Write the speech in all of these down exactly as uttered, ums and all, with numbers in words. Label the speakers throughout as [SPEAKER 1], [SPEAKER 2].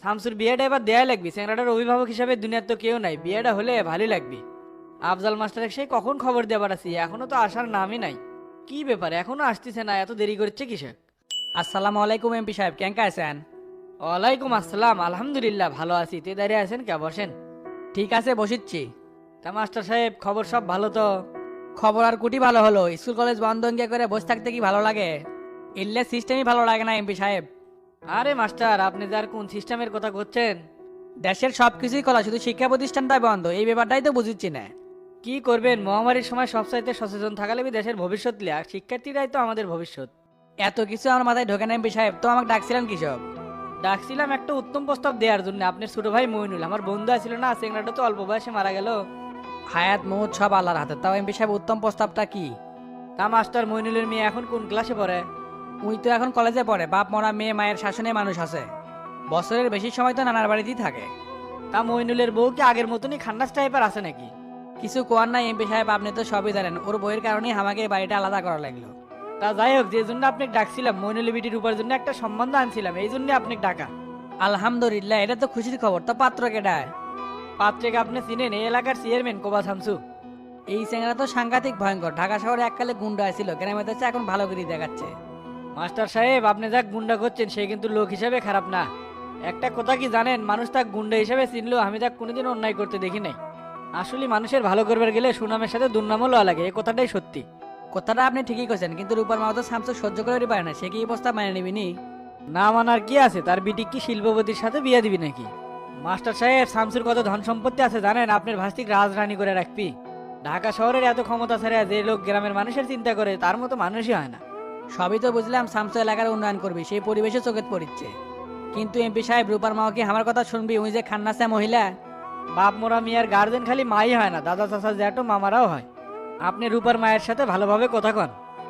[SPEAKER 1] শামসুর বিয়েটা এবার দেয়াই লাগবে, স্যাংরাটার অভিভাবক হিসাবে দুনিয়ার তো কেউ নাই, বিয়েটা হলে ভালোই লাগবে। আফজাল মাস্টার সেই কখন খবর দেবার আছি, এখনো তো আসার নামই নাই। কি ব্যাপার এখনো আসতেছে না, এত দেরি করছে কিসে?
[SPEAKER 2] আসসালামু আলাইকুম এমপি সাহেব, কেঙ্কা আছেন?
[SPEAKER 1] ওয়ালাইকুম আসসালাম, আলহামদুলিল্লাহ ভালো আছি। তে দাঁড়িয়ে আছেন কে, বসেন।
[SPEAKER 2] ঠিক আছে বসিচ্ছি।
[SPEAKER 1] তা মাস্টার সাহেব খবর সব ভালো তো?
[SPEAKER 2] খবর আর কুটি ভালো হলো, স্কুল কলেজ বন্ধ অঙ্গে করে বসে থাকতে কি ভালো লাগে? এলে সিস্টেমই ভালো লাগে না এমপি সাহেব।
[SPEAKER 1] আরে মাস্টার আপনি যার কোন সিস্টেমের কথা করছেন?
[SPEAKER 2] দেশের সব কিছুই খোলা, শুধু শিক্ষা প্রতিষ্ঠানটাই বন্ধ, এই ব্যাপারটাই তো বুঝিচ্ছি না।
[SPEAKER 1] কি করবেন, মহামারীর সময় সবচাইতে সচেতন থাকালে দেশের ভবিষ্যৎ লিয়া, শিক্ষার্থীরাই তো আমাদের ভবিষ্যৎ।
[SPEAKER 2] এত কিছু আমার মাথায় ঢোকে না এমপি সাহেব, তো আমাকে ডাকছিলেন কৃষক?
[SPEAKER 1] ডাকছিলাম একটা উত্তম প্রস্তাব দেওয়ার জন্য। আপনার ছোট ভাই মইনুল, আমার বন্ধু আছিল না, সেংরাটা তো অল্প বয়সে মারা গেল।
[SPEAKER 2] হায়াত মৌত সব আল্লাহর হাতে, তাও এমপি সাহেব উত্তম প্রস্তাবটা কি?
[SPEAKER 1] তা মাস্টার মইনুলের মেয়ে এখন কোন ক্লাসে পড়ে?
[SPEAKER 2] উই তো এখন কলেজে পড়ে, বাপ মরা মেয়ে মায়ের শাসনে মানুষ আছে, বছরের বেশি সময় তো নানার বাড়িতেই থাকে।
[SPEAKER 1] তা মইনুলের বউ কি আগের মতনই খান্নাস টাইপের আছে নাকি?
[SPEAKER 2] কিছু কোয়ার নাই এমপি সাহেব, আপনি তো সবই জানেন, ওর বইয়ের কারণেই আমাকে এই বাড়িটা আলাদা করা লাগলো।
[SPEAKER 1] তা যাই হোক, যে জন্য আপনাকে ডাকছিলাম, মইনুলের বিটির উপর জন্য একটা সম্বন্ধ আনছিলাম, এই জন্য আপনাকে ডাকা।
[SPEAKER 2] আলহামদুলিল্লাহ, এটা তো খুশির খবর। তো পাত্র কেডায়?
[SPEAKER 1] পাত্রেকে আপনি চিনেন, এই এলাকার চেয়ারম্যান কোবা শামসু।
[SPEAKER 2] এই চেঙ্গা তো সাংঘাতিক ভয়ঙ্কর, ঢাকা শহরে এককালে গুন্ডা ছিল, গ্রামে তো এখন ভালো করে দেখাচ্ছে।
[SPEAKER 1] মাস্টার সাহেব আপনি যা গুন্ডা করছেন সে কিন্তু লোক হিসাবে খারাপ না। একটা কথা কি জানেন, মানুষ তাক গুন্ডা হিসাবে চিনলেও আমি তাক কোনোদিন অন্যায় করতে দেখি নাই। আসলে মানুষের ভালো করবার গেলে সুনামের সাথে দুর্নামও লওয়া লাগে, এই কথাটাই সত্যি।
[SPEAKER 2] কথাটা আপনি ঠিকই কইছেন, কিন্তু রূপার মা তো স্যামসুং সহ্য করে পারে না, সে কি এই প্রস্তাব মানে নিবিনি?
[SPEAKER 1] না মানার কি আছে, তার বিটি কি শিল্পপতির সাথে বিয়ে দিবি নাকি? মাস্টার সাহেব শামসুর কত ধন সম্পত্তি আছে জানেন, আপনার ভাস্তিক রাজরানী করে রাখবি। ঢাকা শহরের এত ক্ষমতা ছাড়া যে লোক গ্রামের মানুষের চিন্তা করে তার মতো মানুষই হয় না।
[SPEAKER 2] সবই তো বুঝলাম, স্যামসুং এলাকার উন্নয়ন করবি, সেই পরিবেশে চোখে পড়িচ্ছে, কিন্তু এমপি সাহেব রূপার মা কি আমার কথা শুনবি? উনি যে খান্নাসা মহিলা।
[SPEAKER 1] বাপ মোরা মিয়ার গার্জেন খালি মাই হয় না, দাদা চাচা জ্যাঠো মামারাও হয়। আপনি রূপার মায়ের সাথে ভালোভাবে কথা কন।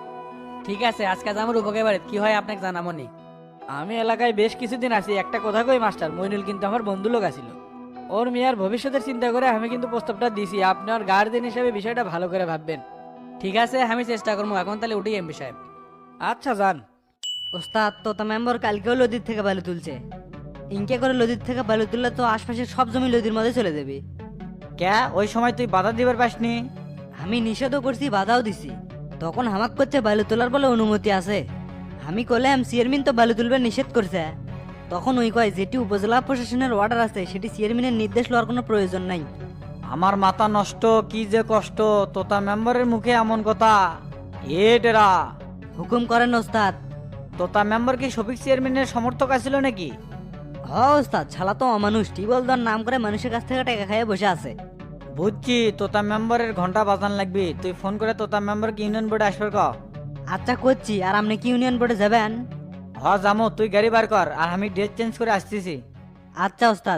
[SPEAKER 2] ঠিক আছে, আজকে যাবো রূপকে বাড়ি, কি হয় আপনাকে জানামনি।
[SPEAKER 1] আমি এলাকায় বেশ কিছুদিন আছি, একটা কথা কই মাস্টার, মইনুল কিন্তু আমার বন্ধু লোক আছিল। ওর মেয়ার ভবিষ্যতের চিন্তা করে আমি কিন্তু প্রস্তাবটা দিছি, আপনার গার্জেন হিসেবে বিষয়টা ভালো করে ভাববেন।
[SPEAKER 2] ঠিক আছে, আমি চেষ্টা করবো, এখন তাহলে উঠি এমপি সাহেব।
[SPEAKER 1] আচ্ছা যান।
[SPEAKER 3] ওস্তাদ তোতা মেম্বার কালকেও লদির থেকে বালু তুলছে। ইনকে করে লদির থেকে বালু তুললে তো আশপাশের সব জমি লদির মধ্যে চলে যাবে।
[SPEAKER 4] ক্যা ওই সময় তুই বাধা দিবার পাসনি?
[SPEAKER 3] আমি নিষেধও করছি, বাধাও দিছি, তখন হামাক করছে বালু তোলার বলে অনুমতি আছে। আমি কলাম চেয়ারম্যান তো বালু তুলবে নিষেধ করছে। তখন ওই কয় যেটি উপজেলা প্রশাসনের অর্ডার আছে সেটি চেয়ারম্যানের নির্দেশ লওয়ার কোনো প্রয়োজন নাই।
[SPEAKER 4] আমার মাথা নষ্ট, কি যে কষ্ট, তোতা মেম্বারের মুখে এমন কথা। এ টেরা,
[SPEAKER 3] হুকুম করেন ওস্তাদ।
[SPEAKER 4] তোতা মেম্বার কি শফিক চেয়ারম্যানের সমর্থক আছিল নাকি?
[SPEAKER 3] হ ওস্তাদ, ছালা তো অমানুষ, টিবল দর নাম করে মানুষের কাছ থেকে টাকা খাইয়ে বসে আছে।
[SPEAKER 4] বুঝছি, তোতা মেম্বারের ঘন্টা বাজান লাগবি, তুই ফোন করে তোতা মেম্বারকে ইউনিয়ন বোর্ডে আসবে ক।
[SPEAKER 3] আচ্ছা করছি, আর আপনি কি ইউনিয়ন বোর্ডে যাবেন?
[SPEAKER 4] হ জামো, তুই গাড়ি বার কর, আর আমি ড্রেস চেঞ্জ করে আসতেছি।
[SPEAKER 3] আচ্ছা ওস্তাদ।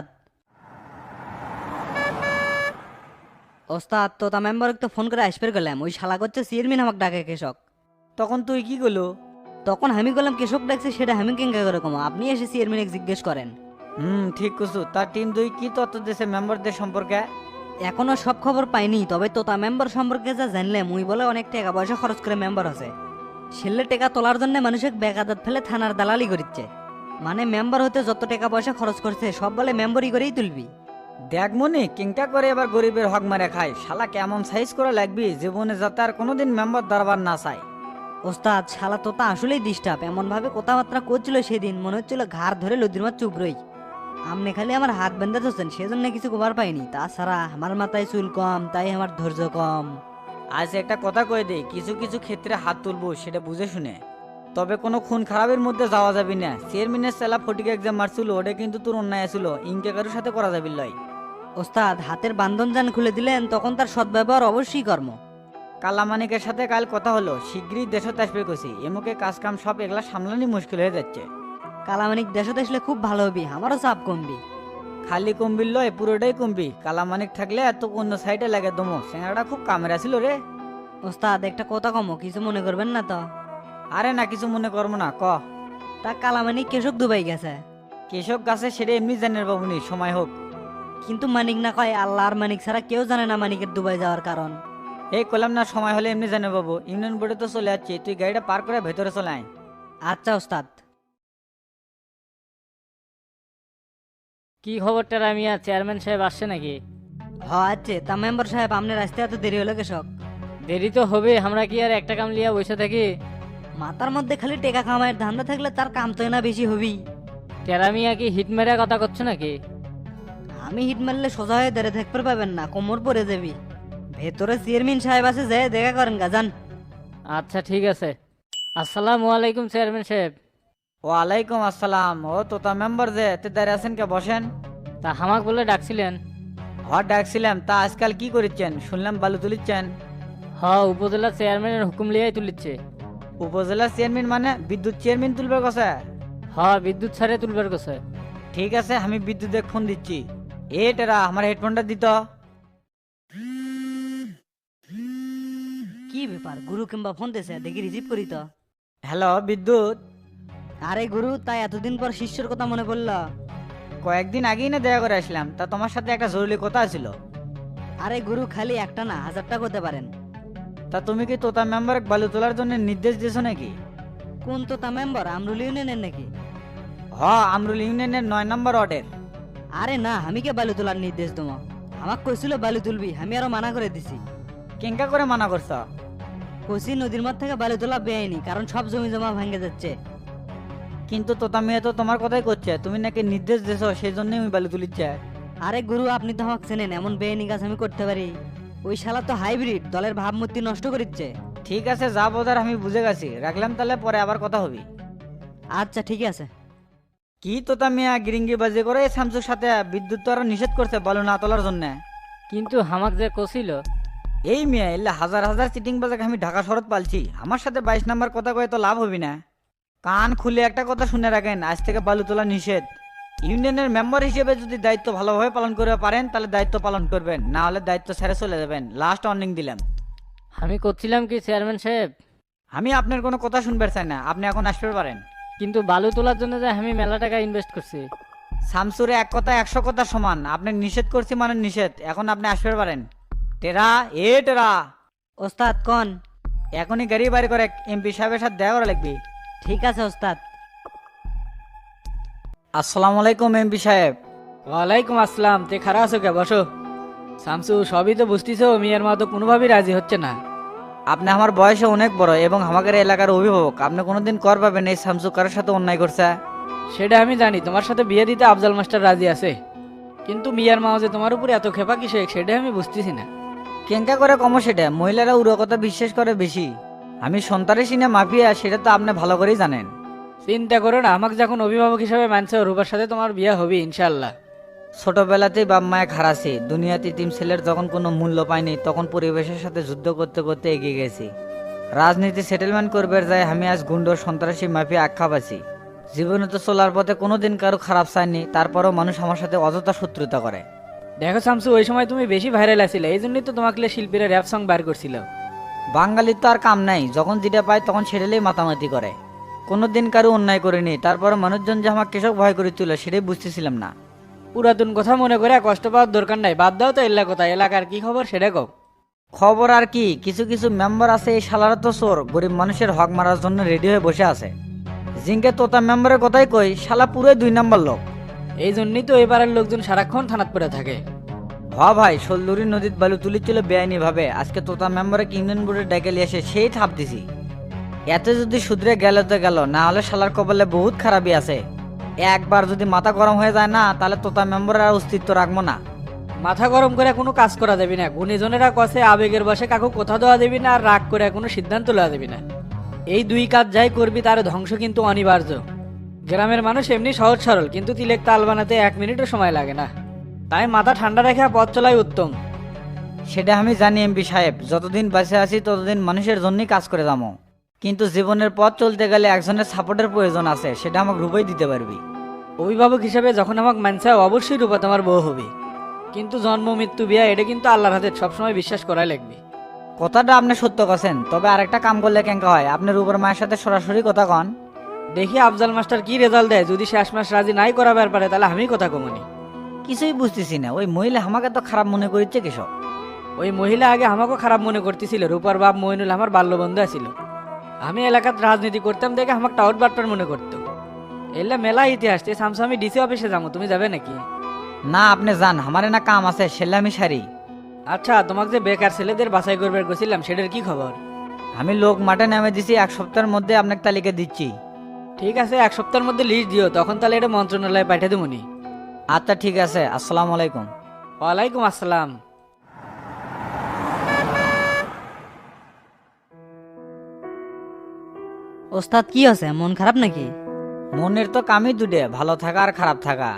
[SPEAKER 3] ওস্তাদ তোতা মেম্বারকে তো ফোন করে আসবে গেলাম, ওই শালা করছে চেয়ারম্যান আমাকে ডাকে কৃষক।
[SPEAKER 4] তখন তুই কি করলো?
[SPEAKER 3] তখন আমি বললাম কৃষক ডাকছে, সেটা আমি কেঙ্কা করে কমো, আপনি এসে চেয়ারম্যানকে জিজ্ঞেস করেন।
[SPEAKER 4] হুম ঠিক কছু। তার টিম দুই কি তথ্য দিয়েছে মেম্বারদের সম্পর্কে?
[SPEAKER 3] এখনো সব খবর পাইনি, তবে তোতা মেম্বার সম্পর্কে যা জানলে মুই বলে অনেক টাকা পয়সা খরচ করে মেম্বার আছে। ছেলে টাকা তোলার জন্য মানুষের বেকাদাত ফেলে থানার দালালি করিচ্ছে। মানে মেম্বার হতে যত টাকা পয়সা খরচ করছে সব বলে মেম্বারই করেই তুলবি।
[SPEAKER 4] দেখ মনি কিংটা করে এবার গরিবের হক মারে খায়, শালা কেমন সাইজ করে লাগবি জীবনে যাতে আর কোনোদিন মেম্বার দাঁড়াবার না চায়।
[SPEAKER 3] ওস্তাদ শালা তোতা আসলেই ডিস্টার্ব, এমন ভাবে কথাবার্তা করছিল সেদিন মনে হচ্ছিল ঘাড় ধরে লদির মাছ চুপ রই। আপনি খালি আমার হাত বেঁধে ধরছেন, সেজন্য কিছু কবার পাইনি, তাছাড়া আমার মাথায় চুল কম, তাই আমার ধৈর্য কম।
[SPEAKER 4] আজ একটা কথা কয়ে দেই, কিছু কিছু ক্ষেত্রে হাত তুলবো সেটা বুঝে শুনে, তবে কোনো খুন খারাপের মধ্যে যাওয়া যাবে না। চেয়ারম্যানের সেলা ফটিকে এক্সাম মারছিল, ওটা কিন্তু তোর অন্যায় আছিল, ইনকে কারোর সাথে করা যাবে লয়।
[SPEAKER 3] ওস্তাদ হাতের বান্ধন যান খুলে দিলেন, তখন তার সদ্ব্যবহার অবশ্যই কর্ম।
[SPEAKER 4] কালামানিকের সাথে কাল কথা হলো, শিগগিরই দেশত আসবে কছি, এমুকে কাজ কাম সব এগুলা সামলানি মুশকিল হয়ে যাচ্ছে।
[SPEAKER 3] কালামানিক দেশে আসলে খুব ভালো হবি, আমারও চাপ কমবি।
[SPEAKER 4] খালি কমবির লয়, পুরোটাই কমবি। কালামানিক থাকলে এত অন্য সাইডে লাগে দমো, সেনাটা খুব কামের আছিল রে।
[SPEAKER 3] ওস্তাদ একটা কথা কমো, কিছু মনে করবেন না তো?
[SPEAKER 4] আরে না, কিছু মনে করবো না, ক।
[SPEAKER 3] তা কালামানিক কেশক দুবাই গেছে।
[SPEAKER 4] কেশব গাছে সেটা এমনি জানের বাবুনি, সময় হোক।
[SPEAKER 3] কিন্তু মানিক না কয় আল্লাহ আর মানিক ছাড়া কেউ জানে না মানিকের দুবাই যাওয়ার কারণ।
[SPEAKER 4] এই কলাম না, সময় হলে এমনি জানে বাবু, ইউনিয়ন বোর্ডে তো চলে যাচ্ছি, তুই গাড়িটা পার করে ভেতরে চলে আয়।
[SPEAKER 3] আচ্ছা ওস্তাদ।
[SPEAKER 5] কি খবর টেরা মিয়া, চেয়ারম্যান সাহেব আসছে নাকি?
[SPEAKER 3] হ আছে তা মেম্বার সাহেব আপনার আসতে এত দেরি হলো কৃষক?
[SPEAKER 5] দেরি তো হবে, আমরা কি আর একটা কাম লিয়া বসে থাকি?
[SPEAKER 3] মাথার মধ্যে খালি টেকা কামাইয়ের ধান্দা থাকলে তার কাম তো না বেশি হবি।
[SPEAKER 5] টেরা মিয়া কি হিট মেরা কথা করছো নাকি?
[SPEAKER 3] আমি হিট মারলে সোজা হয়ে দাঁড়িয়ে থাকতে পাবেন না, কোমর পরে যাবি। ভেতরে চেয়ারম্যান সাহেব আছে, যে দেখা করেন গা যান।
[SPEAKER 5] আচ্ছা ঠিক আছে। আসসালামু আলাইকুম চেয়ারম্যান সাহেব।
[SPEAKER 4] ওয়ালাইকুম আসসালাম। ও তোতা মেম্বার যে তে দাঁড়িয়ে আছেন কে, বসেন।
[SPEAKER 5] তা হামাক বলে ডাকছিলেন?
[SPEAKER 4] হট ডাকছিলাম। তা আজকাল কি করিচ্ছেন? শুনলাম বালু তুলিচ্ছেন।
[SPEAKER 5] হ, উপজেলা চেয়ারম্যানের হুকুম লিয়াই তুলিচ্ছে।
[SPEAKER 4] উপজেলা চেয়ারম্যান মানে বিদ্যুৎ চেয়ারম্যান তুলবার কথা?
[SPEAKER 5] হ, বিদ্যুৎ ছাড়ে তুলবার কথা।
[SPEAKER 4] ঠিক আছে, আমি বিদ্যুৎ ফোন দিচ্ছি। এ টেরা আমার হেডফোনটা দিত।
[SPEAKER 3] কি ব্যাপার, গুরু কিংবা ফোন দিয়েছে, দেখি রিসিভ করি তো।
[SPEAKER 4] হ্যালো বিদ্যুৎ।
[SPEAKER 3] আরে গুরু, তাই এতদিন পর শিষ্যর কথা মনে পড়লো?
[SPEAKER 4] কয়েকদিন আগেই না দেখা করে আসলাম। তা তোমার সাথে একটা জরুরি কথা ছিল।
[SPEAKER 3] আরে গুরু, খালি একটা না হাজারটা করতে পারেন।
[SPEAKER 4] তা তুমি কি তোতা মেম্বার বালু তোলার জন্য নির্দেশ দিয়েছো নাকি?
[SPEAKER 3] কোন তো তা মেম্বার, আমরুল ইউনিয়নের নাকি?
[SPEAKER 4] হ, আমরুল ইউনিয়নের নয় নম্বর ওয়ার্ডের।
[SPEAKER 3] আরে না, আমি কে বালু তোলার নির্দেশ দেবো? আমাকে কইছিল বালু তুলবি, আমি আরো মানা করে দিছি।
[SPEAKER 4] কেঙ্কা করে মানা করছ?
[SPEAKER 3] কইছি নদীর মধ্যে থেকে বালু তোলা বেআইনি, কারণ সব জমি জমা ভাঙে যাচ্ছে।
[SPEAKER 4] কিন্তু তোতা মেয়ে তো তোমার কথাই করছে, তুমি নাকি নির্দেশ দিয়েছো, সেই জন্যই আমি বালু তুলিচ্ছে।
[SPEAKER 3] আরে গুরু, আপনি তো আমাকে চেনেন, এমন বেআইনি কাজ আমি করতে পারি? ওই শালা তো হাইব্রিড, দলের ভাবমূর্তি নষ্ট করিচ্ছে।
[SPEAKER 4] ঠিক আছে, যা বোঝার আমি বুঝে গেছি। রাখলাম তাহলে, পরে আবার কথা হবি।
[SPEAKER 3] আচ্ছা ঠিক আছে।
[SPEAKER 4] কি তোতা মিয়া গিরিঙ্গি বাজি করে এই শামসুর সাথে? বিদ্যুৎ তো আরো নিষেধ করছে বালু না তোলার জন্য।
[SPEAKER 5] কিন্তু হামাক যে কছিল।
[SPEAKER 4] এই মিয়া এলে হাজার হাজার চিটিং বাজাকে আমি ঢাকা শরৎ পালছি, আমার সাথে বাইশ নাম্বার কথা কয়ে তো লাভ হবি না। কান খুলে একটা কথা শুনে রাখেন, আজ থেকে বালু তোলা নিষেধ। ইউনিয়নের মেম্বার হিসেবে যদি দায়িত্ব ভালোভাবে পালন করতে পারেন তাহলে দায়িত্ব পালন করবেন, না হলে দায়িত্ব ছেড়ে চলে যাবেন। লাস্ট ওয়ার্নিং দিলাম।
[SPEAKER 5] আমি করছিলাম কি চেয়ারম্যান সাহেব?
[SPEAKER 4] আমি আপনার কোনো কথা শুনবার চাই না, আপনি এখন আসতে পারেন।
[SPEAKER 5] কিন্তু বালু তোলার জন্য যে আমি মেলা টাকা ইনভেস্ট করছি।
[SPEAKER 4] শামসুরে এক কথা একশো কথা সমান, আপনি নিষেধ করছি মানে নিষেধ। এখন আপনি আসতে পারেন। টেরা, এ টেরা,
[SPEAKER 3] ওস্তাদ কন।
[SPEAKER 4] এখনই গাড়ি বাড়ি করে এমপি সাহেবের সাথে দেখা করা লাগবে।
[SPEAKER 3] ঠিক আছে ওস্তাদ।
[SPEAKER 4] আসসালামু আলাইকুম এমপি সাহেব।
[SPEAKER 1] ওয়ালাইকুম আসসালাম। তে খারাপ আছো কে, বসো। শামসু, সবই তো বুঝতেছো, মিয়ার মা তো কোনোভাবেই রাজি হচ্ছে না।
[SPEAKER 4] আপনি আমার বয়সে অনেক বড় এবং আমাদের এলাকার অভিভাবক, আপনি কোনোদিন কর পাবেন এই শামসু কারোর সাথে অন্যায় করছে?
[SPEAKER 1] সেটা আমি জানি, তোমার সাথে বিয়ে দিতে আফজাল মাস্টার রাজি আছে, কিন্তু মিয়ার মা যে তোমার উপরে এত খেপা কিসে সেটা আমি বুঝতেছি না।
[SPEAKER 4] কেঙ্কা করে কম সেটা? মহিলারা উড়ো কথা বিশ্বাস করে বেশি। আমি সন্তানের সিনে মাফিয়া, সেটা তো আপনি ভালো করেই জানেন।
[SPEAKER 1] চিন্তা করো না, আমাকে যখন অভিভাবক হিসেবে মানছে, রূপার সাথে তোমার বিয়ে হবে ইনশাল্লাহ।
[SPEAKER 4] ছোটবেলাতেই বাপ মায়ে খারাছি, দুনিয়াতে তিন ছেলের যখন কোনো মূল্য পাইনি তখন পরিবেশের সাথে যুদ্ধ করতে করতে এগিয়ে গেছি। রাজনীতি সেটেলমেন্ট করবার যায় আমি আজ গুন্ড সন্ত্রাসী মাফিয়া আখ্যা পাচ্ছি। জীবনে তো চলার পথে কোনোদিন কারো খারাপ চায়নি, তারপরেও মানুষ আমার সাথে অযথা শত্রুতা করে।
[SPEAKER 1] দেখো শামসু, ওই সময় তুমি বেশি ভাইরাল আছিলে, এই জন্যই তো তোমাকে শিল্পীরা র্যাপ সং বার করছিল।
[SPEAKER 4] বাঙালির তো আর কাম নাই, যখন যেটা পায় তখন ছেড়েলেই মাতামাতি করে। কোনোদিন কারো অন্যায় করিনি, তারপরে মানুষজন যে আমার কৃষক ভয় করে তুলে সেটাই বুঝতেছিলাম না।
[SPEAKER 1] পুরাতন কথা মনে করে কষ্ট পাওয়ার দরকার নাই, বাদ দাও তো এলা কথা। এলাকার কি খবর সেটা কও।
[SPEAKER 4] খবর আর কি, কিছু কিছু মেম্বার আছে এই শালারা তো চোর, গরিব মানুষের হক মারার জন্য রেডি হয়ে বসে আছে। জিঙ্কে তোতা মেম্বারের কথাই কই, শালা পুরোই দুই নাম্বার লোক।
[SPEAKER 1] এই জন্যই তো এবারের লোকজন সারাক্ষণ থানাত পড়ে থাকে।
[SPEAKER 4] হ ভাই, শোলদুরি নদীর বালু তুলিছিল বেআইনি ভাবে, আজকে তোতা মেম্বারে ইউনিয়ন বোর্ডে ডেকে নিয়ে এসে সেই থাপ দিছি। এতে যদি শুধরে গেল তো গেল, না হলে শালার কপালে বহুত খারাপই আছে। একবার যদি মাথা গরম হয়ে যায় না, তাহলে তোতা মেম্বারের আর অস্তিত্ব রাখবো না।
[SPEAKER 1] মাথা গরম করে কোনো কাজ করা যাবে না, গুণীজনেরা কষে আবেগের বসে কাকু কথা দেওয়া দেবি না, আর রাগ করে কোনো সিদ্ধান্ত লওয়া দেবি না। এই দুই কাজ যাই করবি তার ধ্বংস কিন্তু অনিবার্য। গ্রামের মানুষ এমনি সহজ সরল, কিন্তু তিলেক তাল বানাতে এক মিনিটও সময় লাগে না। তাই মাথা ঠান্ডা রেখে পথ চলাই উত্তম।
[SPEAKER 4] সেটা আমি জানি এমপি সাহেব, যতদিন বেঁচে আছি ততদিন মানুষের জন্যই কাজ করে যাবো। কিন্তু জীবনের পথ চলতে গেলে একজনের সাপোর্টের প্রয়োজন আছে, সেটা আমাকে রূপেই দিতে পারবি।
[SPEAKER 1] অভিভাবক হিসেবে যখন আমাকে মানছে, অবশ্যই রূপা তোমার বউ হবে, কিন্তু জন্ম মৃত্যু বিয়া এটা কিন্তু আল্লাহর হাতে, সবসময় বিশ্বাস করাই লাগবে।
[SPEAKER 4] কথাটা আপনি সত্য কথা, তবে আরেকটা কাম করলে কেঙ্কা হয়, আপনি রূপের মায়ের সাথে সরাসরি কথা কন।
[SPEAKER 1] দেখি আফজাল মাস্টার কি রেজাল্ট দেয়, যদি শেষ মাস রাজি নাই করাবার পারে তাহলে আমি কথা কমনি।
[SPEAKER 4] কিছুই বুঝতেছি না, ওই মহিলা আমাকে তো খারাপ মনে করিচ্ছে কেসব।
[SPEAKER 1] ওই মহিলা আগে আমাকেও খারাপ মনে করতেছিল, রূপার বাপ মইনুল আমার বাল্য বন্ধু ছিল। আমি এলাকার রাজনীতি করতাম দেখে আমাকে টাউট বাটপার মনে করতো। এলে মেলা ইতিহাস, তে সামসু আমি ডিসি অফিসে যাবো, তুমি যাবে নাকি?
[SPEAKER 4] না আপনি যান, আমারে না কাম আছে, সেলে আমি সারি।
[SPEAKER 1] আচ্ছা, তোমাকে যে বেকার ছেলেদের বাছাই করবার গেছিলাম সেটার কি খবর?
[SPEAKER 4] আমি লোক মাঠে নামে দিছি, এক সপ্তাহের মধ্যে আপনাকে তালিকা দিচ্ছি।
[SPEAKER 1] ঠিক আছে, এক সপ্তাহের মধ্যে লিস্ট দিও, তখন তাহলে এটা মন্ত্রণালয়ে পাঠিয়ে দেবো নি।
[SPEAKER 4] আচ্ছা ঠিক আছে, আসসালামু আলাইকুম।
[SPEAKER 1] ওয়ালাইকুম আসসালাম।
[SPEAKER 3] ওস্তাদ কি আছে, মন খারাপ নাকি?
[SPEAKER 4] মনের তো কামই দুটে, ভালো থাকা আর খারাপ থাকা।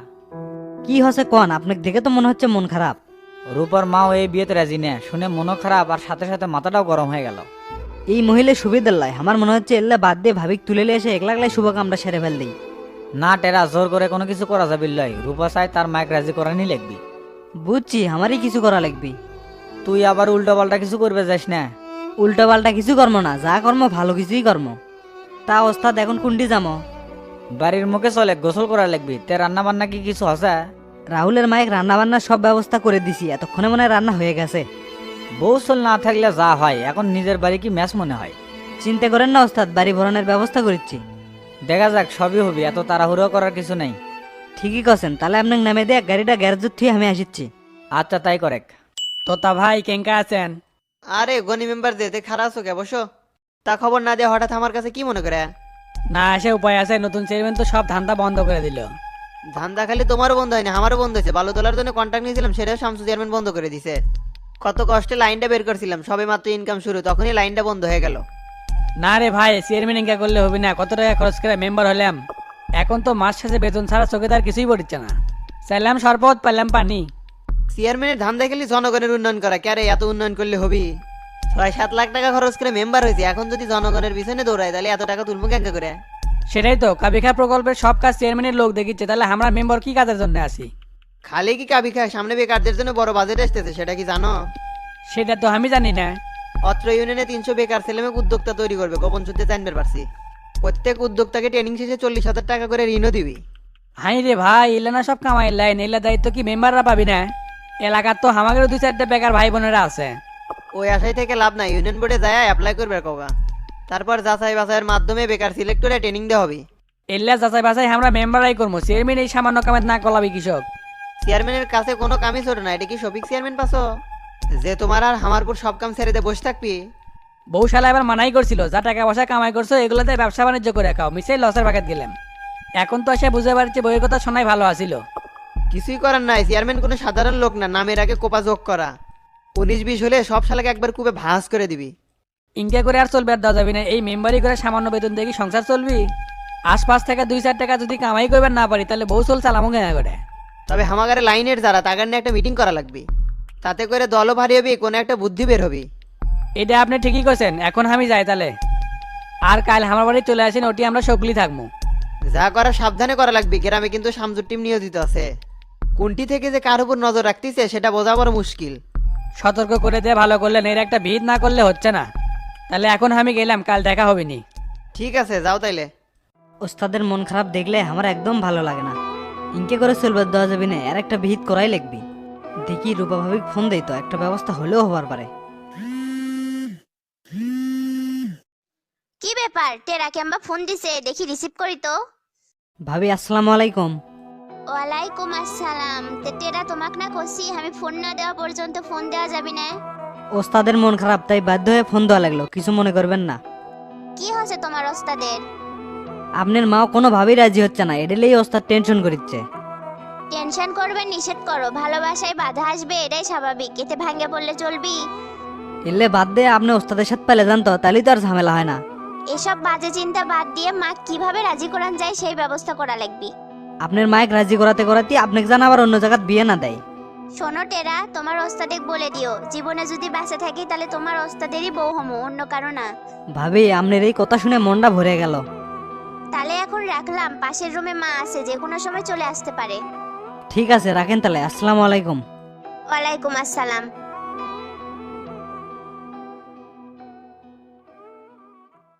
[SPEAKER 3] কি হচ্ছে কন, আপনাকে দেখে তো মনে হচ্ছে মন খারাপ।
[SPEAKER 4] রূপার মাও এই বিয়েতে রাজি না, শুনে মনও খারাপ আর সাথে সাথে মাথাটাও গরম হয়ে গেল।
[SPEAKER 3] এই মহিলা সুবিধার লাই, আমার মনে হচ্ছে এল্লা বাদ দিয়ে ভাবিক তুলে নিয়ে এসে একলা একলাই শুভ কামটা সেরে ফেল দিই।
[SPEAKER 4] না টেরা, জোর করে কোনো কিছু করা যাবে লয়, রূপা চাই তার মাইক রাজি করানি লিখবি।
[SPEAKER 3] বুঝছি, আমারই কিছু করা লাগবে।
[SPEAKER 4] তুই আবার উল্টো পাল্টা কিছু করবে যাস না।
[SPEAKER 3] উল্টো পাল্টা কিছু কর্ম না, যা কর্ম ভালো কিছুই কর্ম। তা ওস্তাদ এখন কুন্ডি যামো?
[SPEAKER 4] বাড়ির মুখে চলে গোসল করা লাগবি। তে রান্না বান্না কি কিছু আছে?
[SPEAKER 3] রাহুলের মায়ের রান্না বান্নার সব ব্যবস্থা করে দিছি, এতক্ষণে মনে হয় রান্না হয়ে গেছে।
[SPEAKER 4] বউ চল না থাকলে যা হয়, এখন নিজের বাড়ি কি ম্যাচ মনে হয়?
[SPEAKER 3] চিন্তা করেন না ওস্তাদ, বাড়ি ভরণের ব্যবস্থা করেছি।
[SPEAKER 4] দেখা যাক, সবই হবে, এত তাড়াহুড়ো করার কিছু নাই।
[SPEAKER 3] ঠিকই করছেন, তাহলে আপনাকে নামে দিয়ে গাড়িটা গ্যারেজের থেকে আমি আসিচ্ছি।
[SPEAKER 4] আচ্ছা তাই করেক।
[SPEAKER 2] তোতা ভাই কেঙ্কা আছেন?
[SPEAKER 6] আরে গনি মেম্বার যেতে খারাপ আছো কে, বসো। তা খবর না দিয়ে হঠাৎ আমার কাছে কি মনে করে?
[SPEAKER 2] না আসে উপায় আছে, নতুন চেয়ারম্যান তো সব ধান্দা বন্ধ করে দিল।
[SPEAKER 6] ধান্দা খালি তোমারও বন্ধ হয়নি, আমারও বন্ধ হয়েছে। বালু তোলার জন্য কন্ট্যাক্ট নিয়েছিলাম, সেটাও শামসু চেয়ারম্যান বন্ধ করে দিছে। কত কষ্টে লাইনটা বের করছিলাম, সবে মাত্র ইনকাম শুরু, তখনই লাইনটা বন্ধ হয়ে গেল।
[SPEAKER 2] না রে ভাই, চেয়ারম্যান ইনকা করলে হবে না, কত টাকা খরচ করে মেম্বার হলাম। এখন তো মাস শেষে বেতন ছাড়া চোখে তার কিছুই পড়ছে না। চাইলাম শরবত, পাইলাম পানি।
[SPEAKER 6] চেয়ারম্যানের ধান্দা খালি জনগণের উন্নয়ন করা, ক্যারে এত উন্নয়ন করলে হবি? ছয় সাত লাখ টাকা খরচ করে মেম্বার হয়েছে, এখন যদি জনগণের পিছনে দৌড়ায় তাহলে এত টাকা তুলবো কেন করে?
[SPEAKER 2] সেটাই তো, কাবিখা প্রকল্পের সব কাজ চেয়ারম্যানের লোক দেখিচ্ছে, তাহলে আমরা মেম্বার কি কাজের জন্য আসি?
[SPEAKER 6] খালি কি কাবি খায়? সামনে বেকারদের জন্য বড় বাজেট আসতেছে, সেটা কি জানো?
[SPEAKER 2] সেটা তো আমি জানি না।
[SPEAKER 6] অত্র ইউনিয়নে তিনশো বেকার ছেলেমেয়ে উদ্যোক্তা তৈরি করবে, গোপন সূত্রে জানতে পারছি। প্রত্যেক উদ্যোক্তাকে ট্রেনিং শেষে চল্লিশ হাজার টাকা করে ঋণও দিবি।
[SPEAKER 2] হাই রে ভাই, এলে না সব কামাই লাইন, এলে দায়িত্ব কি মেম্বাররা পাবি না? এলাকার তো আমাদের দুই চারটে বেকার ভাই বোনেরা আছে।
[SPEAKER 6] ওই আশায় থেকে লাভ নাই, ইউনিয়ন বোর্ডে যায় অ্যাপ্লাই করবে কবা। তারপর যাচাই বাছাইয়ের মাধ্যমে বেকার সিলেক্ট করে ট্রেনিং দেওয়া হবে।
[SPEAKER 2] এলে যাচাই বাছাই আমরা মেম্বাররাই করবো, চেয়ারম্যান এই সামান্য কামের না কলাবি কৃষক।
[SPEAKER 6] চেয়ারম্যানের কাছে কোনো কামই ছোট না, এটা কি শফিক চেয়ারম্যান পাছো যে তোমার আর হামারপুর সব কাম ছেড়ে দিয়ে বসে থাকবি?
[SPEAKER 2] বউশালা এবার মানাই করছিল, যা টাকা পয়সা কামাই করছো এগুলোতে ব্যবসা বাণিজ্য করে খাও, মিশাই লসের বাকেট গেলাম। এখন তো এসে বুঝতে পারছি বইয়ের কথা শোনাই ভালো আছিল।
[SPEAKER 6] কিছুই করার নাই, চেয়ারম্যান কোনো সাধারণ লোক না, নামের আগে কোপা যোগ করা। উনিশ বিশ হলে সব শালাকে একবার কুপে ভাঁজ করে দিবি।
[SPEAKER 2] ইনকা করে আর চলবে আর দেওয়া যাবি না, এই মেম্বারি করে সামান্য বেতন দিয়ে কি সংসার চলবি? আশপাশ থেকে দুই চার টাকা যদি কামাই করবার না পারি তাহলে বউ চল চালামো কেনা করে।
[SPEAKER 6] তবে হামাগারে লাইনের যারা তাগার নিয়ে একটা মিটিং করা লাগবে, তাতে করে দলও ভারী হবে, কোনো একটা বুদ্ধি বের হবে।
[SPEAKER 2] এটা আপনি ঠিকই করছেন, এখন আমি যাই তাহলে। আর কাল আমার বাড়ি চলে আসেন, ওটি আমরা সকলি থাকবো।
[SPEAKER 6] যা করা সাবধানে করা লাগবে, গ্রামে কিন্তু শামসুর টিম নিয়োজিত আছে। কোনটি থেকে যে কার উপর নজর রাখতেছে সেটা বোঝা বড় মুশকিল।
[SPEAKER 2] সতর্ক করে দিয়ে ভালো করলেন, এর একটা ভিড় না করলে হচ্ছে না। তাহলে এখন আমি গেলাম, কাল দেখা হবে নি।
[SPEAKER 6] ঠিক আছে, যাও তাইলে।
[SPEAKER 3] ওস্তাদের মন খারাপ দেখলে আমার একদম ভালো লাগে না। ইনকে করে চলবে দেওয়া যাবে না, আর একটা বিহিত করাই লাগবি। দেখি রূপা ভাবিক ফোন দেই তো, একটা ব্যবস্থা হলেও হবার পারে।
[SPEAKER 7] কি ব্যাপার, টেরা কেমবা ফোন দিছে, দেখি রিসিভ করি তো।
[SPEAKER 3] ভাবি আসসালামু আলাইকুম।
[SPEAKER 7] ওয়ালাইকুম আসসালাম। তে টেরা তোমাক না কইছি আমি ফোন না দেওয়া পর্যন্ত ফোন দেওয়া যাবে না।
[SPEAKER 3] ওস্তাদের মন খারাপ, তাই বাধ্য হয়ে ফোন দেওয়া লাগলো, কিছু মনে করবেন না।
[SPEAKER 7] কি হচ্ছে তোমার ওস্তাদের?
[SPEAKER 3] আপনার মাও কোনোভাবেই রাজি হচ্ছে না, এডেলেই ওস্তাদ টেনশন করিচ্ছে।
[SPEAKER 7] টেনশন করবে নিষেধ করো, ভালোবাসায় বাধা আসবে, এটাই স্বাভাবিক, এতে ভাঙ্গে পড়লে চলবি?
[SPEAKER 3] এলে বাদ দিয়ে আপনি ওস্তাদের সাথে পেলে যান তো, তাহলেই তো আর ঝামেলা হয় না।
[SPEAKER 7] এসব বাজে চিন্তা বাদ দিয়ে মা কিভাবে রাজি করান যায় সেই ব্যবস্থা করা লাগবে।
[SPEAKER 3] আপনার মায়ের রাজি করাতে করাতে আপনাকে জান আবার অন্য জায়গায় বিয়ে না দেয়।
[SPEAKER 7] শোনো টেরা, তোমার ওস্তাদেক বলে দিও জীবনে যদি বেঁচে থাকি তাহলে তোমার ওস্তাদেরই বউ হমো, অন্য কারো না।
[SPEAKER 3] ভাবি আপনার এই কথা শুনে মনটা ভরে গেল।
[SPEAKER 7] তাহলে এখন রাখলাম, পাশের রুমে মা আছে, যে কোনো সময় চলে আসতে পারে।
[SPEAKER 3] ঠিক আছে রাখেন তাহলে, আসসালামু আলাইকুম।
[SPEAKER 7] ওয়ালাইকুম আসসালাম।